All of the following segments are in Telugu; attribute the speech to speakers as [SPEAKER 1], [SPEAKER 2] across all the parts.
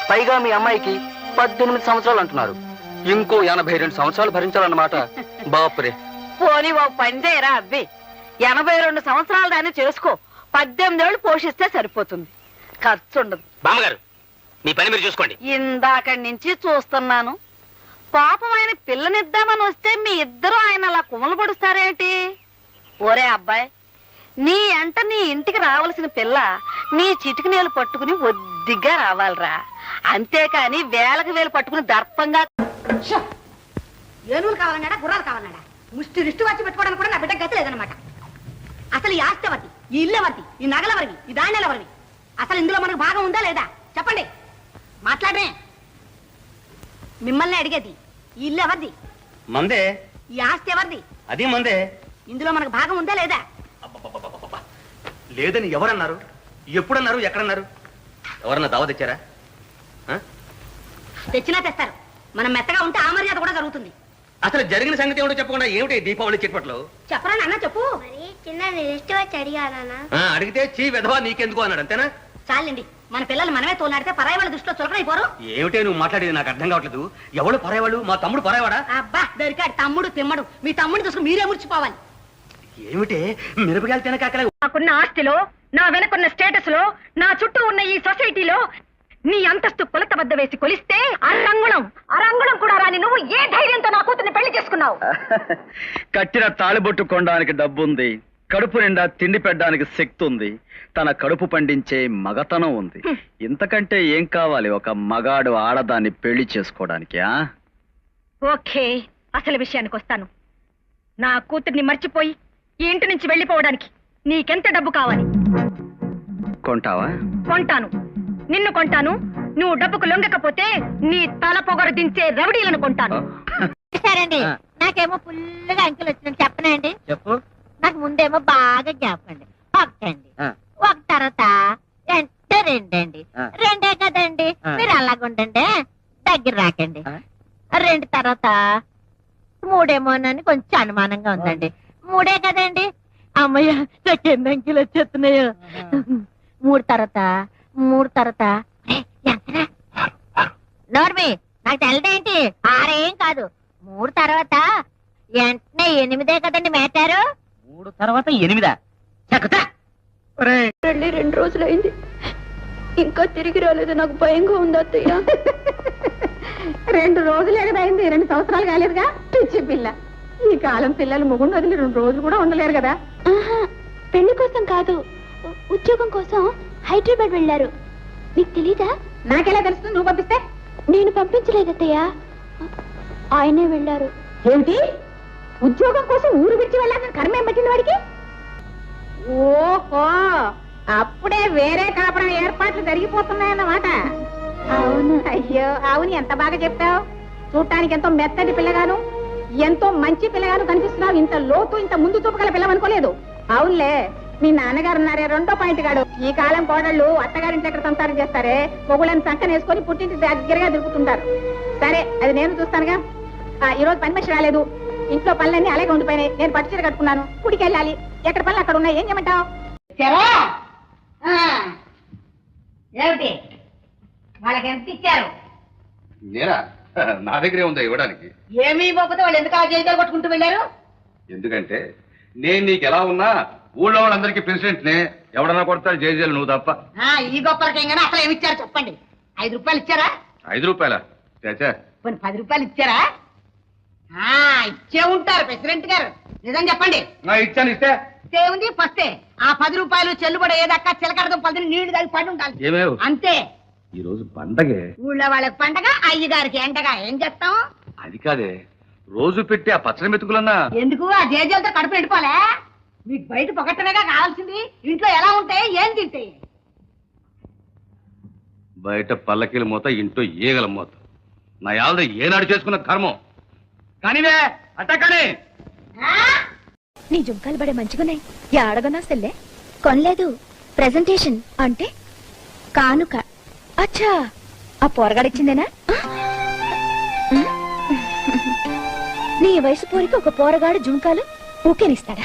[SPEAKER 1] పైగా మీ అమ్మాయికి 18 సంవత్సరాలు అంటున్నారు. ఇంకో 82 సంవత్సరాలు భరించాలన్నమాట. బాపురే.
[SPEAKER 2] పోనీ ఓ పని చేయరా అబ్బి, 82 సంవత్సరాలు దాన్ని చేసుకో. 18 ఏళ్ళు పోషిస్తే సరిపోతుంది, ఖర్చు ఉండదు.
[SPEAKER 3] బామ్మగారు, మీ పని మీరు చూసుకోండి.
[SPEAKER 2] ఇందాకడి నుంచి చూస్తున్నాను. పాపం ఆయన పిల్లనిద్దామని వస్తే మీ ఇద్దరు ఆయన అలా కుమలు పడుస్తారేంటి? ఓరే అబ్బాయి, నీ ఇంటికి రావాల్సిన పిల్ల నీ చిటికి నేలు పట్టుకుని ఒద్దిగ్గా రావాలిరా. అంతేకాని వేలకు వేలు పట్టుకుని దర్పంగా.
[SPEAKER 4] ఏనుగులు కావాలన్నాడా, గుర్రాలు కావాలన్నాడా? ముష్టి రిష్టి వచ్చి పెట్టుకోవడానికి కూడా నా బిడ్డ గతి లేదనమాట. అసలు ఈ ఆస్తి ఎవరిది, ఈ ఇల్లు ఎవరిది, ఈ నగలెవరివి, ఈ ధాన్యాలు ఎవరివి? అసలు ఇందులో మనకు భాగం ఉందా లేదా చెప్పండి, మాట్లాడమే. మిమ్మల్ని అడిగేది, ఈ ఇల్లు ఎవరిది?
[SPEAKER 3] మందే.
[SPEAKER 4] ఈ ఆస్తి ఎవరిది?
[SPEAKER 3] అది మందే.
[SPEAKER 4] ఇందులో మనకు భాగం ఉందా లేదా?
[SPEAKER 3] లేదని ఎవరన్నారు? ఎప్పుడన్నారు? ఎక్కడన్నారు? ఎవరన్నా దావా తెచ్చారా?
[SPEAKER 4] తెచ్చినా తెస్తారు. మనం మెత్తగా ఉంటే ఆ మర్యాద కూడా జరుగుతుంది.
[SPEAKER 3] అసలు జరిగిన సంగతి ఏమిటో చెప్పకుండా ఏమిటి దీపావళి చిట్పట్లో?
[SPEAKER 4] చెప్పరా నాన్న, చెప్పు.
[SPEAKER 3] అడిగితే చీ విధవా నీకెందుకు అన్నాడు, అంతేనా?
[SPEAKER 4] చాలండి, మన పిల్లలు మనమే తోలాడితే పరాయి వాళ్ళ దృష్టిలో చులకనైపోరు.
[SPEAKER 3] ఏమిటే నువ్వు మాట్లాడేది నాకు అర్థం కావట్లేదు. ఎవడు పరాయవాడు? మా తమ్ముడు పరాయవాడా?
[SPEAKER 4] అబ్బా దొరికాడు తమ్ముడు తిమ్మడు. మీ తమ్ముడిని చూసుకుని మీరే మురిచిపోవాలి.
[SPEAKER 3] ఏమిటే మిరపకాయలు తినకాకలే?
[SPEAKER 4] నాకున్న ఆస్తిలో, నా వెనకున్న స్టేటస్ లో, నా చుట్టూ ఉన్న ఈ సొసైటీలో నీ అంతస్తు కొలత వద్ద వేసి కొలిస్తే అరంగుళం కూడా రాని నువ్వు ఏ ధైర్యంతో నా కూతుర్ని పెళ్లి చేసుకున్నావు?
[SPEAKER 1] కట్టిన తాళిబొట్టు కొనడానికి డబ్బుంది, కడుపు నిండా తిండి పెట్టడానికి శక్తి ఉంది, తన కడుపు పండించే మగతనం ఉంది. ఇంతకంటే ఏం కావాలి ఒక మగాడు ఆడదాన్ని పెళ్లి చేసుకోవడానికి?
[SPEAKER 4] ఓకే, అసలు విషయానికి వస్తాను. నా కూతుర్ని మర్చిపోయి ఈ ఇంటి నుంచి వెళ్ళిపోవడానికి నీకెంత డబ్బు కావాలి?
[SPEAKER 1] కొంటావా?
[SPEAKER 4] కొంటాను, నిన్ను కొంటాను. నువ్వు డబ్బుకు లొంగకపోతే నీ తల పొగరు దించే రౌడీలను కొంటాను.
[SPEAKER 5] సరేండి, నాకేమో ఫుల్గా అంకెలు వచ్చినట్టు చెప్పనండి.
[SPEAKER 1] చెప్పు.
[SPEAKER 5] నాకు ముందేమో బాగా జ్ఞాపకండి. ఒకటండి, ఒక తర్వాత రెండండి. రెండే కదండి, మీరు అలాగుండండి, దగ్గర రాకండి. రెండు తర్వాత మూడేమోనని కొంచెం అనుమానంగా ఉందండి. మూడే కదండి. అమ్మయ్య, నాకు ఎన్ని అంకెలు వచ్చేస్తున్నాయో. మూడు తర్వాత నోర్మి, నాకు తెలదేంటి? ఆరేం కాదు. మూడు తర్వాత వెంటనే 8 కదండి మేటారు.
[SPEAKER 3] 3 తర్వాత 8?
[SPEAKER 6] వెళ్ళి 2 రోజులైంది, ఇంకా తిరిగి రాలేదు. నాకు భయంగా ఉంది అత్తయ్య.
[SPEAKER 4] 2 రోజులే కదా అయింది, 2 సంవత్సరాలు కాలేదుగా. పిచ్చి పిల్ల, ఈ కాలం పిల్లలు ముగుండు వదిలి 2 రోజులు కూడా ఉండలేరు కదా.
[SPEAKER 6] పెళ్లి కోసం కాదు, ఉద్యోగం కోసం హైదరాబాద్ వెళ్ళారు. నీకు తెలీదా?
[SPEAKER 4] నాకెలా తెలుస్తుంది? నువ్వు పంపిస్తే?
[SPEAKER 6] నేను పంపించలేదు అత్తయ్య, ఆయనే వెళ్ళారు.
[SPEAKER 4] ఏమిటి, ఉద్యోగం కోసం ఊరు విడిచి వెళ్ళాలని కర్మేం పెట్టింది వాడికి? ఓహో, అప్పుడే వేరే కాపురం ఏర్పాట్లు జరిగిపోతున్నాయన్నమాట.
[SPEAKER 6] అవును.
[SPEAKER 4] అయ్యో అవును, ఎంత బాగా చెప్పావు. చూడటానికి ఎంతో మెత్తటి పిల్లగాను, ఎంతో మంచి పిల్లగాను కనిపిస్తున్నావు. ఇంత లోతు, ఇంత ముందు చూపగల పిల్లవనుకోలేదు. అవునులే, మీ నాన్నగారు ఉన్నారే రెండో పాయింట్ గాడు. ఈ కాలం కోడళ్ళు అత్తగారింటి ఎక్కడ సంసారం చేస్తారే, మొగుళ్ళని సంకన వేసుకొని పుట్టింటి దగ్గరగా తిరుగుతుంటారు. సరే, అది నేను చూస్తానుగా. ఈ రోజు పని మనిషి రాలేదు, ఇంట్లో పనులన్నీ అలాగే ఉండిపోయినాయి. నేను పట్టు చీర కట్టుకున్నాను, గుడికి వెళ్ళాలి. ఎక్కడ పనులు అక్కడ ఉన్నాయి, ఏం చేయమంటావు? ఏమిటి, వాళ్ళకి ఎంత ఇచ్చారు?
[SPEAKER 7] నేనా? నా దగ్గరే ఉందా ఇవ్వడానికి?
[SPEAKER 4] ఏమీ ఇవ్వకపోతే వాళ్ళు ఎందుకు ఆ జైలు కొట్టుకుంటూ వెళ్ళారు?
[SPEAKER 7] ఎందుకంటే నేను నీకు ఎలా ఉన్నా ఊళ్ళో వాళ్ళందరికీ ప్రెసిడెంట్నే. ఎవడన్నా కొడతాడు జైలు, నువ్వు తప్ప.
[SPEAKER 4] ఈ గొప్పలకేం కానీ అసలు ఏమి ఇచ్చారు చెప్పండి. 5 రూపాయలు ఇచ్చారా?
[SPEAKER 7] 5 రూపాయలా? చాచా,
[SPEAKER 4] 10 రూపాయలు ఇచ్చారా? ఇచ్చే ఉంటారు ప్రెసిడెంట్ గారు, నిజం చెప్పండి.
[SPEAKER 7] ఇచ్చాను. ఇస్తే
[SPEAKER 4] ఉంది ఫస్టే. ఆ 10 రూపాయలు చెల్లుబడి ఏదక్క చిలకడదు 10 నీళ్లు దానికి పడి ఉండాలి.
[SPEAKER 7] ఏమేవ్
[SPEAKER 4] అంతే.
[SPEAKER 7] ఈ రోజు పండగే.
[SPEAKER 4] ఊళ్ళో వాళ్ళకి పండగ, అయ్యగారికి ఎండగా. ఏం చేస్తాం?
[SPEAKER 7] అది కాదే, రోజు పెట్టి ఆ పచ్చడి మెతుకులన్నా
[SPEAKER 4] ఎందుకు? ఆ జేజలతో కడుపు ఎండిపోలే? మీకు బయట పొగట్టనేగా కావాల్సింది. ఇంట్లో ఎలా ఉంటాయి, ఏం తింటాయి?
[SPEAKER 7] బయట పల్లకీల మూత, ఇంట్లో ఈగల మూత. నా యాళ్ళ ఏనాడు చేసుకున్న కర్మం. కానీవే అట్ట కానీ.
[SPEAKER 6] నీ జుంకాలు బడే మంచిగున్నాయి. ఆడగనా సెల్లే? కొనలేదు, ప్రెజెంటేషన్ అంటే కానుక. అచ్చా, ఆ పోరగాడిచ్చిందేనా? నీ వయసు పోరికి ఒక పోరగాడు జుంకాలు ఊకేనిస్తాడా?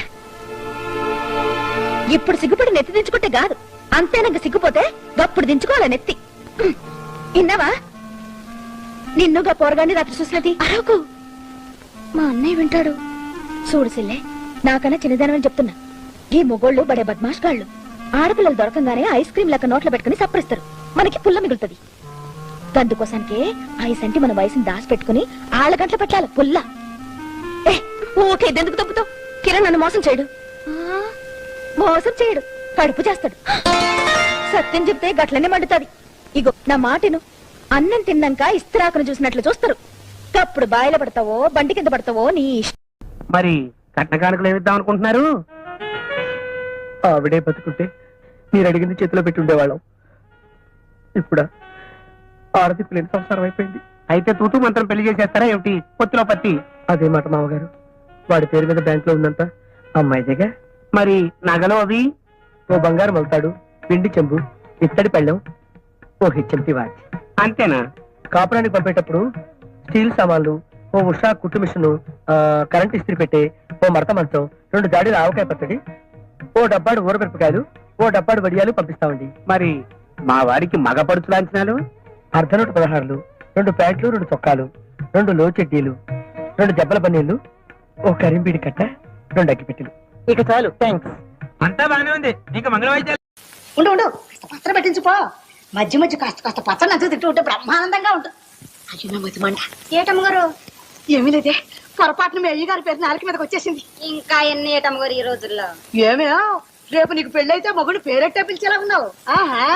[SPEAKER 6] ఇప్పుడు సిగ్గుపడి నెత్తి దించుకుంటే కాదు, అంతేనక సిగ్గుపోతే గప్పుడు దించుకోవాల నెత్తి. విన్నావా? నిన్నుగా పోరగాన్ని రాత్రి చూసినది అరకు మా అన్నయ్య వింటాడు. చూడు సిల్లే, నాకన్నా చిన్నదానని చెప్తున్నా. ఈ మొగోళ్ళు బడే బద్మాష్ గాళ్ళు ఆడపిల్లలు దొరకంగానే ఐస్ క్రీమ్ లెక్క నోట్లో పెట్టుకుని సప్పరిస్తారు. మనకి పుల్ల మిగులుతుంది. అందుకోసానికే ఐస్ అంటే మన వయసుని దాచి పెట్టుకుని ఆళ్ళ గంటలు పెట్టాలి పుల్ల. ఓకే, ఎందుకు తప్పుతావు? కిరణ్ నన్ను మోసం చేయడు. మోసం చేయడు, కడుపు చేస్తాడు. సత్యం చెప్తే గట్లనే మండుతాది. ఇగో నా మాటను, అన్నం తిన్నాక ఇస్తిరాకును చూసినట్లు చూస్తారు. అప్పుడు బాయిల పడతావో బండి కింద పడతావో నీ ఇష్టం.
[SPEAKER 8] మరి కట్న కానుకలు ఏమిద్దాం అనుకుంటున్నారు? ఆవిడే బతుకుంటే మీరు అడిగింది చేతిలో పెట్టి ఉండేవాళ్ళం. ఇప్పుడా ఆడదిప్పులేని సంసారం అయిపోయింది. అయితే తూతూ మంత్రం పెళ్లి చేసేస్తారా ఏమిటి? పొత్తులో పత్తి. అదే మాట మామగారు. వాడి పేరు మీద బ్యాంక్ లో ఉందంతా అమ్మాయిదేగా. మరి నగలు అవి? ఓ బంగారు మగుతాడు, పిండి చెంబు, ఇత్తడి పళ్ళెం, ఓ హెచ్ఎంటి వాచ్. అంతేనా? కాపురానికి పంపేటప్పుడు స్టీల్ సామాన్లు, ఓ ఉషా కుట్టు మిషను, కరెంట్ ఇస్త్రీ పెట్టే, ఓ మడత మంచం, 2 జాడీల ఆవకాయ పచ్చడి, ఓ డబ్బాడు ఊరమిరపకాయలు, ఓ డబ్బాడు వడియాలు పంపిస్తామండి. మరి మా వారికి మగ పడుచు లాంఛనాలు? అర్ధనూట 16లు, 2 ప్యాంట్లు, 2 చొక్కాలు, 2 లో చెడ్డీలు, 2 దెబ్బల బన్నీళ్లు, ఓ కరింబీడి కట్ట, 2 అగ్గిపెట్టెలు. ఇక చాలు, థ్యాంక్స్. అంతా బాగానే ఉంది. ఇంకా మంగళవాయిద్యాలు
[SPEAKER 4] ఉండు ఉండు, పచ్చడి పెట్టించుకో. మధ్య మధ్య కాస్త పచ్చడి నంచు తింటూ ఉంటే బ్రహ్మానందంగా ఉంటుంది. అయ్యో నా మధ్య మంట. ఏటమ్మగారు? ఏమీ లేదే, పొరపాటున మీ అయ్య గారి పేరు నాలుగు మీదకి వచ్చేసింది.
[SPEAKER 5] ఇంకా ఎన్ని ఏటమ్మగారు ఈ రోజుల్లో?
[SPEAKER 4] ఏమే, రేపు నీకు పెళ్ళైతే మొగుడు పేరెట్టే పిలిచేలా ఉన్నావు. ఆహా,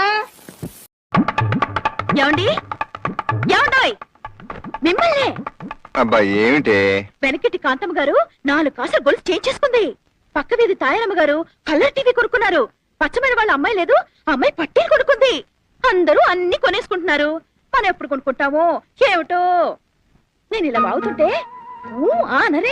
[SPEAKER 6] ఏమండి? ఏమండోయ్? మిమ్మల్ని
[SPEAKER 9] అబ్బా ఏమిటి?
[SPEAKER 6] వెనకటి కాంతమ్మ గారు 4 కాసులు గొలుసు చేంజ్ చేసుకుంది. పక్క వీధి తాయారమ్మ గారు కలర్ టీవీ కొనుక్కున్నారు. పచ్చమైన వాళ్ళ అమ్మాయి లేదు, అమ్మాయి పట్టీలు కొనుక్కుంది. అందరూ అన్ని కొనేసుకుంటున్నారు. మనం ఎప్పుడు కొనుక్కుంటామో ఏమిటో. నేను ఇలా బాగుతుంటే అనరే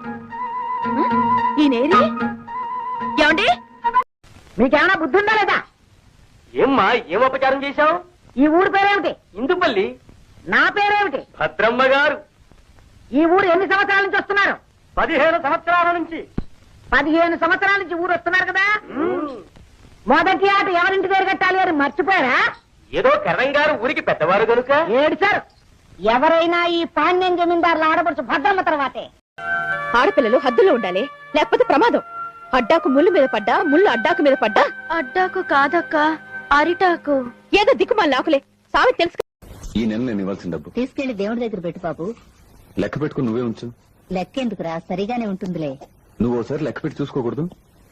[SPEAKER 6] ఈ నేరి. ఏమండి?
[SPEAKER 4] మీకేమైనా బుద్ధి ఉందా లేదా?
[SPEAKER 8] ఏమ్మా, ఏం అపచారం చేశావు?
[SPEAKER 4] ఈ ఊరు పేరేమిటి?
[SPEAKER 8] ఇందుపల్లి.
[SPEAKER 4] నా పేరేమిటి?
[SPEAKER 8] భద్రమ్మ గారు.
[SPEAKER 4] ఈ ఊరు ఎన్ని సంవత్సరాల నుంచి వస్తున్నారు?
[SPEAKER 8] 15 సంవత్సరాల నుంచి.
[SPEAKER 4] 15 సంవత్సరాల నుంచి ఊరు వస్తున్నారు కదా. మొదటి ఆట ఎవరింటి పేరు కట్టాలి అని మర్చిపోయారా?
[SPEAKER 8] ఏదో కరణం గారు ఊరికి పెద్దవారు కనుక.
[SPEAKER 4] ఏడ్చారు. ఎవరైనా ఈ పాండ్యం జమీందారుల ఆడపడుచు భద్రమ్మ తర్వాతే.
[SPEAKER 6] ఆడపిల్లలు హద్దులో ఉండాలి, లేకపోతే ప్రమాదం. అడ్డాకు ముళ్ళు మీద పడ్డా, ముళ్ళు అడ్డాకు మీద పడ్డా. అడ్డాకు కాదక్క, అరిటాకు. ఏదో దిక్కుమాలి నాకులే. సామెత తెలుసు.
[SPEAKER 9] ఈ నెల నేను ఇవ్వాల్సిన డబ్బు
[SPEAKER 5] తీసుకెళ్లి దేవుడి దగ్గర పెట్టు బాబు.
[SPEAKER 9] లెక్క పెట్టుకుని నువ్వే ఉంచు.
[SPEAKER 5] లెక్కెందుకురా, సరిగానే ఉంటుందిలే.
[SPEAKER 9] నువ్వు ఓసారి లెక్క పెట్టి చూసుకోకూడదు?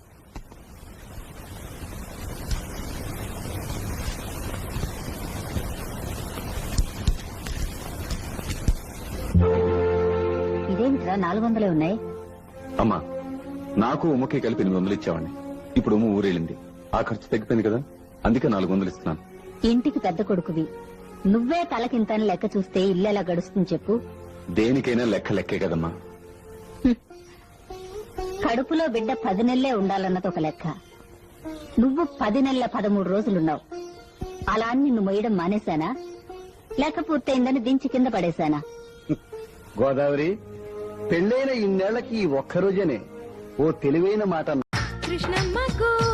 [SPEAKER 5] ఇదేమిట్రా 400 ఉన్నాయి?
[SPEAKER 9] అమ్మా, నాకు ఉమ్మకి కలిపి 800 ఇచ్చావండి. ఇప్పుడు ఉమ్మ ఊరెళ్ళింది, ఆ ఖర్చు తగ్గిపోయింది కదా, అందుకే 400 ఇస్తున్నాను.
[SPEAKER 5] ఇంటికి పెద్ద కొడుకువి, నువ్వే తలకింతని లెక్క చూస్తే ఇల్లు ఎలా గడుస్తుంది చెప్పు?
[SPEAKER 9] దేనికైనా లెక్క లెక్కే కదమ్మా.
[SPEAKER 5] కడుపులో బిడ్డ 10 నెలలే ఉండాలన్నది ఒక లెక్క. నువ్వు 10 నెలల 13 రోజులున్నావు. అలా అని నిన్ను మొయ్యడం మానేశానా, లెక్క పూర్తయిందని దించి కింద పడేశానా?
[SPEAKER 10] గోదావరి, పెళ్ళైన ఇన్నేళ్లకి ఈ ఒక్కరోజనే ఓ తెలివైన మాట
[SPEAKER 6] కృష్ణమ్మకు